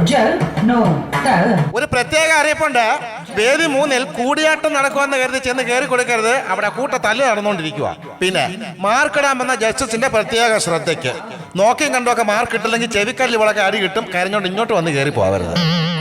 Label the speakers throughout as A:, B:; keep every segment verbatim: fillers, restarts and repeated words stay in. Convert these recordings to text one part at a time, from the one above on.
A: ഒരു പ്രത്യേക അറിയിപ്പുണ്ട്. വേദി മൂന്നിൽ കൂടിയാട്ടം നടക്കുമെന്ന് കരുതി ചെന്ന് കയറി കൊടുക്കരുത്. അവിടെ കൂട്ട തല്ല് നടന്നുകൊണ്ടിരിക്കുക. പിന്നെ മാർക്കിടാമെന്ന ജസ്റ്റിസിന്റെ പ്രത്യേക ശ്രദ്ധയ്ക്ക് നോക്കിയും കണ്ടൊക്കെ മാർക്ക് കിട്ടില്ലെങ്കിൽ ചെവിക്കല്ല് വളക്കെ അടി കിട്ടും. കരഞ്ഞോണ്ട് ഇങ്ങോട്ട് വന്ന് കയറി പോകരുത്.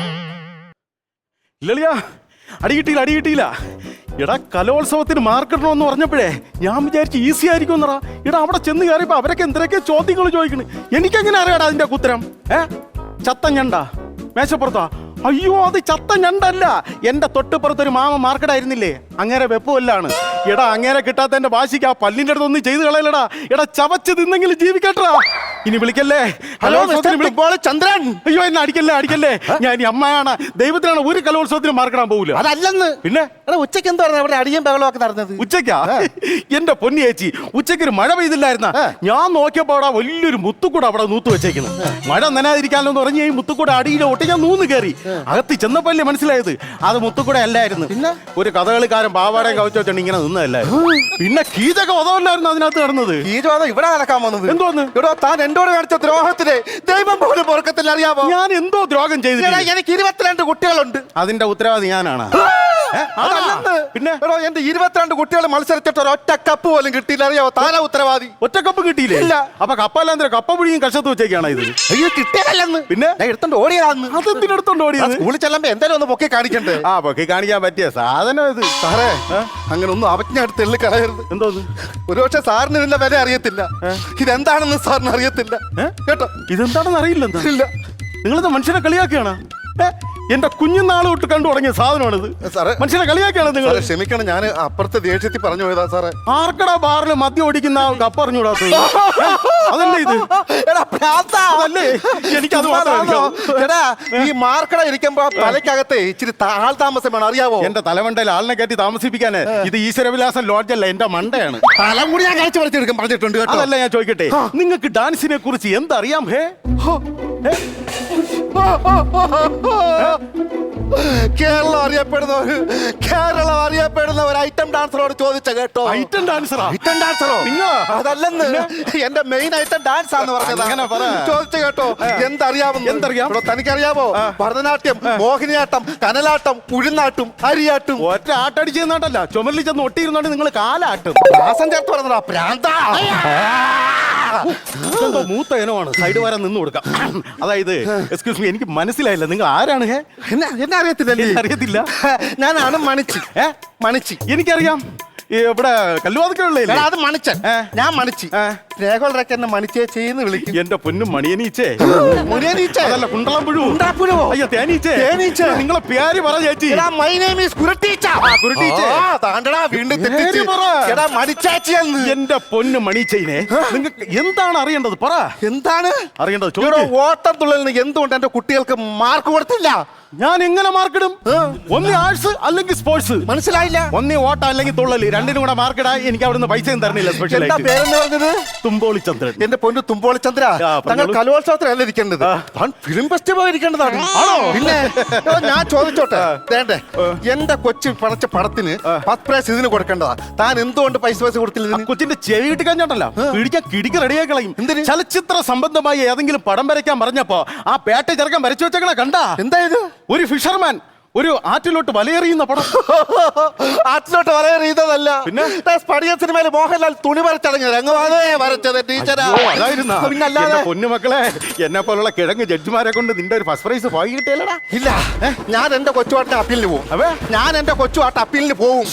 B: ഇല്ലളിയാ, അടി കിട്ടിയില്ല അടി കിട്ടിയില്ല എടാ. കലോത്സവത്തിന് മാർക്കിടണമെന്ന് പറഞ്ഞപ്പോഴേ ഞാൻ വിചാരിച്ചു ഈസി ആയിരിക്കും എന്നറാ. എടാ അവിടെ ചെന്ന് കയറിയപ്പോ അവരൊക്കെ എന്തൊക്കെ ചോദ്യങ്ങൾ ചോദിക്കണ്. എനിക്കെങ്ങനെ അറിയാടാ അതിന്റെ ഉത്തരം? ഏ ചത്ത ഞണ്ട മേശപ്പുറത്താ? അയ്യോ, അത് ചത്ത ഞണ്ടല്ല, എന്റെ തൊട്ടുപുറത്തൊരു മാമ മാർക്കറ്റായിരുന്നില്ലേ, അങ്ങേരെ വെപ്പുമല്ലാണ്. എടാ അങ്ങേരെ കിട്ടാത്തതിന്റെ വാശിക്ക് ആ പല്ലിന്റെ അടുത്ത് ഒന്നും ചെയ്ത് കളയലടാ. എടാ ചവച്ച് തിന്നെങ്കിലും ജീവിക്കട്ടാ. ഇനി വിളിക്കല്ലേ. ഹലോ
C: ചന്ദ്രൻ.
B: അയ്യോ എന്നെ അടിക്കല്ലേ അടിക്കല്ലേ. ഞാൻ ഇനി അമ്മയാണ് ദൈവത്തിനാണ് ഒരു കലോത്സവത്തിന് മാർക്കിടാൻ പോകില്ല.
C: അതല്ലെന്ന്.
B: പിന്നെ
C: എടാ ഉച്ചയ്ക്ക് എന്താ പറഞ്ഞത് അവിടെ അടിയും ബഹളമൊക്കെ നടന്നത്?
B: ഉച്ചയ്ക്കാ? എന്റെ പൊന്നി ചേച്ചി, ഉച്ചയ്ക്ക് ഒരു മഴ പെയ്തില്ലായിരുന്ന. ഞാൻ നോക്കിയപ്പോ അവിടെ വലിയൊരു മുത്തുക്കൂട അവിടെ നൂത്ത് വെച്ചേക്കുന്നു. മഴ നനാതിരിക്കാനോ എന്ന് പറഞ്ഞ് ഈ മുത്തുക്കൂട അടിയിലെ ഒട്ടി ഞാൻ നൂന്ന് കയറി. അകത്ത് ചെന്നപ്പല്ലേ മനസ്സിലായത് അത് മുത്തുക്കൂട അല്ലായിരുന്നു. പിന്നെ ഒരു കഥകളിക്കാരൻ പാവാടയും കവച്ചു വെച്ചോണ്ട് ഇങ്ങനെ നിന്നതല്ലായിരുന്നു. പിന്നെ കീചക വധമല്ലായിരുന്നു അതിനകത്ത് നടന്നത്.
C: കീചവാദം ഇവിടെ നടക്കാൻ വന്നത്
B: എന്തോന്ന്?
C: ഇവിടെ താൻ എന്നോട് കാണിച്ച ദ്രോഹത്തിന് ദൈവം പോലും പൊറുക്കത്തിൽ അറിയാമോ?
B: ഞാൻ എന്തോ ദ്രോഹം ചെയ്തില്ല.
C: എനിക്ക് ഇരുപത്തിരണ്ട് കുട്ടികളുണ്ട്.
B: അതിന്റെ ഉത്തരവാദി ഞാനാണ്.
C: പിന്നെ എന്റെ ഇരുപത്തിരണ്ട് കുട്ടികൾ മത്സരിച്ചിട്ട് ഒറ്റ കപ്പ് പോലും കിട്ടിയില്ല, അറിയാമോ? താനാ ഉത്തരവാദി.
B: ഒറ്റ കപ്പ് കിട്ടിയില്ലേ? ഇല്ല. അപ്പൊ കപ്പല്ലാന്തര കപ്പ പുഴിയും കഷത്ത് വെച്ചേക്കാണ് ഇത്.
C: അയ്യോ കിട്ടിയതല്ലെന്ന്.
B: പിന്നെ
C: എടുത്തോണ്ട് ഓടിയതാന്ന്.
B: അതെന്തിനെടുത്തോണ്ട് ഓടിയത്?
C: സ്കൂളിൽ ചെല്ലുമ്പോ എന്തായാലും ഒന്ന് പൊക്കി കാണിക്കണ്ടേ?
B: ആ പൊക്കി കാണിക്കാൻ പറ്റിയ സാധനം ഇത്.
C: സാറേ അങ്ങനെ ഒന്നും അവജ്ഞ അടുത്ത് എള്ളി കളയരുത്.
B: എന്തോന്ന്?
C: ഒരുപക്ഷെ സാറിന് ഇതിന്റെ വില അറിയത്തില്ല. ഇതെന്താണെന്ന് സാറിന് അറിയത്തില്ല കേട്ടോ.
B: ഇതെന്താണെന്ന് അറിയില്ല.
C: ഇല്ല.
B: നിങ്ങളിത് മനുഷ്യനെ കളിയാക്കിയാണ്. എന്റെ കുഞ്ഞുനാൾ തൊട്ട് കണ്ടു തുടങ്ങിയ സാധനമാണിത്.
C: സാറേ
B: മനുഷ്യനെ കളിയാക്കിയാണ് നിങ്ങൾ.
C: ക്ഷമിക്കണം, ഞാൻ അപ്പുറത്തെ ദേഷ്യത്തിൽ പറഞ്ഞു പോയതാ സാറേ.
B: ആർക്കടാ ബാറിൽ മദ്യം ഓടിക്കുന്ന കപ്പ് അറിഞ്ഞൂടാത്തത്? അതല്ലേ ഇത്? അതല്ലേ എനിക്കത്
C: എടാ ഈ മാർക്കട ഇരിക്കുമ്പോ തലയ്ക്കകത്ത് ഇച്ചിരി ആൾ താമസം വേണം, അറിയാവോ?
B: എന്റെ തലമണ്ടയിൽ ആളിനെ കയറ്റി താമസിപ്പിക്കാന് ഇത് ഈശ്വരവിലാസം ലോഡ്ജല്ല, എന്റെ മണ്ടയാണ്.
C: തലം കൂടി ഞാൻ കഴിച്ചു പറിച്ചെടുക്കാൻ പറഞ്ഞിട്ടുണ്ട് കേട്ടോ.
B: അതല്ല ഞാൻ ചോദിക്കട്ടെ, നിങ്ങൾക്ക് ഡാൻസിനെ കുറിച്ച് എന്തറിയാം? ഹേ
C: കേരളം അറിയപ്പെടുന്ന ഒരു കേരളം അറിയപ്പെടുന്ന ഒരു ഐറ്റം ഡാൻസറോട് ചോദിച്ച കേട്ടോ.
B: ഐറ്റം ഡാൻസറോ?
C: ഐറ്റം ഡാൻസറോ? അതല്ലെന്ന്, എന്റെ മെയിൻ ഐറ്റം ഡാൻസ് ആണെന്ന് പറഞ്ഞത്. ചോദിച്ചു കേട്ടോ എന്തറിയാമെന്ന്.
B: എന്തറിയാം?
C: തനിക്കറിയാമോ? ഭരതനാട്യം, മോഹിനിയാട്ടം, കനലാട്ടം, പുഴുന്നാട്ടും, അരിയാട്ടും.
B: ഒറ്റ ആട്ടടിച്ച് ചെന്നാട്ടല്ല, ചുമലിൽ ചെന്ന് ഒട്ടിയിരുന്നോണ്ട് നിങ്ങൾ കാലാട്ടും.
C: ദാസൻ ചേർത്ത് പറഞ്ഞതാ പ്രാന്ത.
B: മൂത്ത ഇനമാണ്, സൈഡ് വരാൻ നിന്ന് കൊടുക്കാം. അതായത് എക്സ്ക്യൂസ് മീ, എനിക്ക് മനസ്സിലായില്ല നിങ്ങൾ ആരാണ്?
C: എന്നെ അറിയത്തില്ല.
B: അറിയത്തില്ല.
C: ഞാനാണ് മണിച്ചി. ഏ മണിച്ചി എനിക്കറിയാം.
B: ഇവിടെ കല്ലുവാതിക്കല്ലേ?
C: അത് മണിച്ചൻ, ഞാൻ മണിച്ചി. രേഖകളൊക്കെ എന്നെ മണിച്ചേച്ചിന്ന് വിളിക്കും.
B: എന്റെ പൊന്നും മണിയനീച്ചേ.
C: മുനിയനീച്ച അതല്ല,
B: കുണ്ടളം പുഴു.
C: കുണ്ടാപ്പുഴുവോ?
B: അയ്യോ തേനീച്ചേ.
C: തേനീച്ച.
B: നിങ്ങളെ പേര് പറ ചേച്ചി.
C: മൈ നെയിം ഈസ് കുരുട്ടീച്ച. താണ്ടടാ വീണ്ടും തെറ്റിച്ച്. എടാ മണിച്ചേച്ചിയെന്ന്.
B: എന്റെ പൊന്നു മണിച്ചേനെ, നിങ്ങൾക്ക് എന്താണ് അറിയേണ്ടത്? പറ.
C: എന്താണ്
B: അറിയേണ്ടത്?
C: ഓട്ടം തുള്ളലിന് എന്തുകൊണ്ട് എന്റെ കുട്ടികൾക്ക് മാർക്ക് കൊടുത്തില്ല?
B: ഞാൻ എങ്ങനെ മാർക്കിടും? ഒന്ന് ആർട്സ് അല്ലെങ്കിൽ സ്പോർട്സ്.
C: മനസ്സിലായില്ല.
B: ഒന്നേ ഓട്ടം അല്ലെങ്കിൽ തുള്ളല്, രണ്ടിനും കൂടെ മാർക്കിടാൻ എനിക്ക് അവിടുന്ന് പൈസ തരണില്ല. സ്പെഷ്യൽ
C: പേരെന്ന് പറഞ്ഞത്
B: തുമ്പോളിച്ചന്ദ്രൻ.
C: എന്റെ പൊന്നു തുമ്പോളിച്ചന്ദ്ര, താങ്കൾ കലോത്സവത്തിലല്ല ഇരിക്കേണ്ടത്, ഫിലിം ഫെസ്റ്റിവൽ ഇരിക്കേണ്ടതാണ്. ആണോ? പിന്നെ ഞാൻ ചോദിച്ചോട്ടെ, വേണ്ടേ? എന്റെ കൊച്ചു പടച്ച പടത്തിന് ഫസ്റ്റ് പ്രൈസ് ഇതിന് കൊടുക്കേണ്ടതാ. താൻ എന്തുകൊണ്ട് പൈസ പൈസ കൊടുത്തില്ല?
B: കൊച്ചിന്റെ ചെവി ഇട്ട് കഴിഞ്ഞോട്ടല്ല പിടിക്കാൻ കിടിക്ക് റെഡിയായി കളയും. ചലച്ചിത്ര സംബന്ധമായി ഏതെങ്കിലും പടം വരയ്ക്കാൻ പറഞ്ഞപ്പോ ആ പേട്ട ചെറുക്കാൻ വരച്ചു വെച്ചേക്കണ കണ്ടാ?
C: എന്തായത്?
B: ഒരു ഫിഷർമാൻ ഒരു ആറ്റിലോട്ട് വലയെറിയുന്ന പടം.
C: ആറ്റിലോട്ട് വലയെറിയുന്നതല്ല, പിന്നെ സ്പടിക സിനിമയിൽ മോഹൻലാൽ തുണി വരച്ചടങ്ങിയ രംഗമാണേ വരച്ചത് ടീച്ചറാ.
B: പിന്നല്ലാതെ പൊന്നുമക്കളെ, എന്നെ പോലുള്ള കിഴങ്ങ് ജഡ്ജിമാരെ കൊണ്ട് നിന്റെ ഒരു ഫസ്റ്റ് പ്രൈസ് പോയി കിട്ടിയല്ലടാ.
C: ഇല്ല, ഞാൻ എന്റെ കൊച്ചുവാട്ട അപ്പീലിന് പോകും. അവേ ഞാൻ എന്റെ കൊച്ചുവാട്ട അപ്പീലിന് പോകും.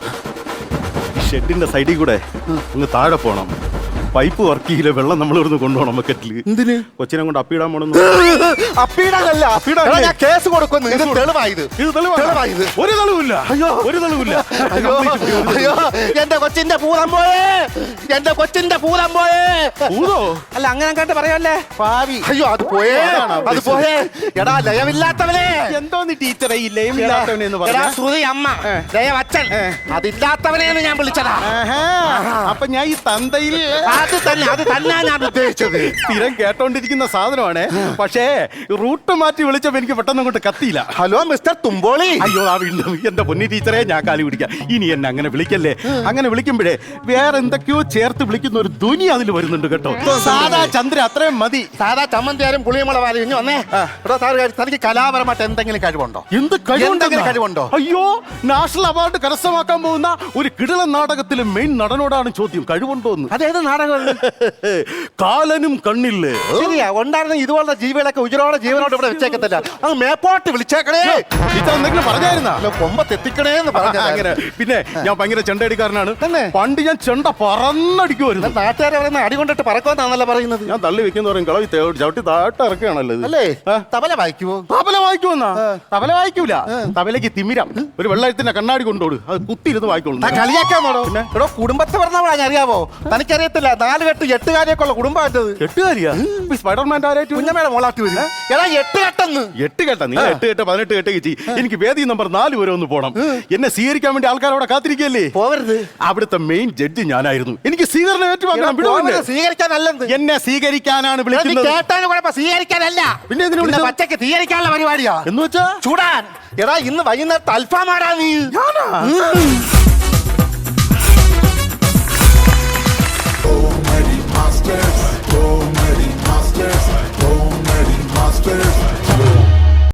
B: ഷെഡിന്റെ സൈഡിൽ കൂടെ അങ്ങ് താഴെ പോണം. പൈപ്പ് വർക്ക് ചെയ്യില്ല, വെള്ളം നമ്മൾ ഇവിടുന്ന് കൊണ്ടുപോകണം ബക്കറ്റില്. എന്തിന്? കൊച്ചിനെ കൊണ്ട് അപ്പിടാൻ പോണം.
C: അപ്പിടാനല്ല, ഞാൻ കേസ് കൊടുക്കുന്നു. ഇത് തെളിവായത്. ഇത് തെളിവായത്.
B: ഒരു തെളിവില്ല. അയ്യോ ഒരു തെളിവില്ല.
C: അയ്യോ എന്റെ കൊച്ചിന്റെ പൂതം പോയേ, എന്റെ കൊച്ചിന്റെ പൂതം പോയേ. പൂതോ? അല്ല അങ്ങനെ കേട്ട് പറയല്ലേ ഭാവി. അയ്യോ അത് പോയേ, അത് പോയേ. എടാ ലയമില്ലാത്തവനെ.
B: എന്തോന്ന് ടീച്ചറെ ഈ ലയമില്ലാത്തവനെ എന്ന് പറയാ?
C: ശ്രുതി അമ്മ, ലയം അച്ഛൻ, അതില്ലാത്തവനെന്ന് ഞാൻ വിളിച്ചതാ.
B: അപ്പൊ ഞാൻ ഈ തന്തയിൽ
C: അത് തന്നെ അത് തന്നെ ഞാൻ ഉദ്ദേശിച്ചത്.
B: സ്ഥിരം കേട്ടോണ്ടിരിക്കുന്ന സാധനമാണ്. പക്ഷേ റൂട്ട് മാറ്റി വിളിച്ചപ്പോ എനിക്ക് പെട്ടെന്ന് അങ്ങോട്ട് കത്തിയില്ല.
C: Hello mister Thumpoly.
B: അയ്യോ ആ വീണ്ടും എന്റെ പൊന്നി ടീച്ചറെ ഞാൻ കാലി പിടിക്കാം. ഇനി എന്നെ അങ്ങനെ വിളിക്കല്ലേ. അങ്ങനെ വിളിക്കുമ്പോഴേ വേറെ എന്തൊക്കെയോ ചേർത്ത് വിളിക്കുന്ന ഒരു ധ്വനി അതിൽ വരുന്നുണ്ട് കേട്ടോ. സാധാ ചന്ദ്ര അത്രയും മതി.
C: സാധാ ചമ്മന്തിയാരും പുളിയമുളകാരും ഇനി വന്നേ. ഇവിടെ സാറ് കാര്യം, തനിക്ക് കലാപരമായിട്ട് എന്തെങ്കിലും കഴിവുണ്ടോ?
B: എന്ത്
C: എന്തെങ്കിലും കഴിവുണ്ടോ?
B: അയ്യോ, നാഷണൽ അവാർഡ് കരസ്ഥമാക്കാൻ പോകുന്ന ഒരു കിടിലൻ നാടകത്തിലെ മെയിൻ നടനോടാണ് ചോദ്യം, കഴിവുണ്ടോ എന്ന്.
C: അതേത് നാടകമാണ്?
B: കാലനും കണ്ണില്ലേ.
C: ശരിയാ, ഉണ്ടായിരുന്ന ഇതുപോലത്തെ ജീവികളൊക്കെ ഉജരോടെ ജീവനോട് ഇവിടെ വെച്ചേക്കത്തില്ല. അത് മേപ്പോട്ട് വിളിച്ചേക്കണേ.
B: ടീച്ചർ എന്തെങ്കിലും പറഞ്ഞായിരുന്ന
C: കൊമ്പത്തെത്തിക്കണേ എന്ന് പറഞ്ഞു.
B: അങ്ങനെ പിന്നെ ഞാൻ ഭയങ്കര ചെണ്ടടിക്കാരനാണ്.
C: തന്നെ?
B: പണ്ട് ഞാൻ ചെണ്ട പറന്നടിക്കുമായിരുന്നു.
C: നാട്ടുകാരെ പറയുന്ന അടി കൊണ്ടിട്ട് പറക്കുമെന്നാണല്ലോ പറയുന്നത്.
B: ഞാൻ തള്ളി വെക്കുന്ന പറയും കളവി ചവിട്ടി താട്ട് ഇറക്കുകയാണല്ലോ ഇത്.
C: അല്ലേ? തബല വായിക്കുവോ?
B: തബല വായിക്കുമെന്നാ? തബല വായിക്കൂല. തബലക്ക് തിമിരം. ഒരു വെള്ളത്തിന്റെ കണ്ണാടി കൊണ്ടോട്, അത് കുത്തിയിരുന്ന് വായിക്കോളൂ.
C: കളിയാക്കാൻ പോണോ? ഇവിടെ കുടുംബത്തെ പറഞ്ഞവളാ അറിയാവോ? തനിക്കറിയത്തില്ല, നാല് കെട്ട് എട്ടുകാരിയൊക്കെ ഉള്ള കുടുംബമായിട്ടത്.
B: എട്ടുകാരിയാ? സ്പൈഡർമാൻ്റെ ആരായിട്ട്
C: കുഞ്ഞമ്മയുടെ മോളാട്ടി വരും. എടാ എട്ട് കെട്ടെന്ന്.
B: എട്ട് കെട്ട നീ എട്ട് കെട്ട് പതിനെട്ട് കെട്ട് കിട്ടി. എനിക്ക് വേദി നമ്പർ നാല് വരെ ഒന്ന് പോണം. എന്നെ സ്വീകരിക്കാൻ വേണ്ടി ആൾക്കാർ അവിടെ കാത്തിരിക്കല്ലേ.
C: പോവരുത്.
B: അവിടുത്തെ മെയിൻ ജഡ്ജി ഞാനായിരുന്നു. എനിക്ക് സ്വീകരണം ഏറ്റുവാങ്ങണം.
C: സ്വീകരിക്കാനല്ലെന്ന്.
B: എന്നെ സ്വീകരിക്കാനാണ് വിളിക്കുന്നത്.
C: കേട്ടാലും കുഴപ്പം, സ്വീകരിക്കാനല്ല.
B: പിന്നെ എന്തിനാ വിളിച്ചത്?
C: പച്ചക്ക് സ്വീകരിക്കാനുള്ള പരിപാടിയാ.
B: എന്ന് വെച്ചാ
C: ചൂടാൻ. എടാ ഇന്ന് വൈകുന്നേരത്തെ അൽഫാമാടാ നീ.